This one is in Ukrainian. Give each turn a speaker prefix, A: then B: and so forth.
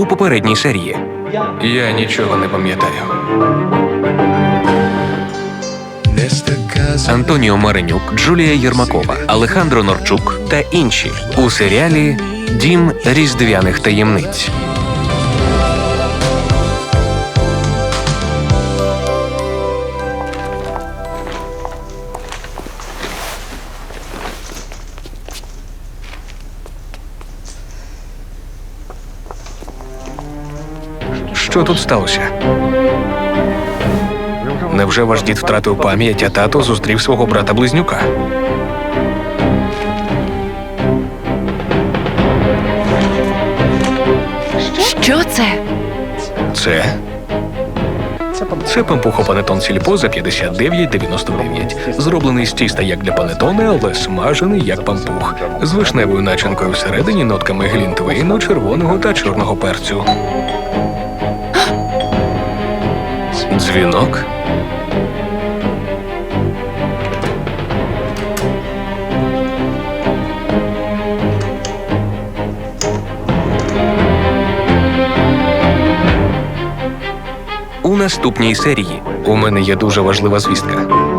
A: у попередній серії.
B: Я нічого не пам'ятаю.
A: Антоніо Маринюк, Джулія Єрмакова, Алехандро Норчук та інші у серіалі «Дім різдвяних таємниць». Що тут сталося? Невже ваш дід втратив пам'ять, а тато зустрів свого брата-близнюка?
C: Що це?
A: Це пампухопанетон Сільпо за 59,99. Зроблений з тіста як для панетони, але смажений як пампух. З вишневою начинкою всередині, нотками глінтвейну, червоного та чорного перцю. Дзвінок? У наступній серії у мене є дуже важлива звістка.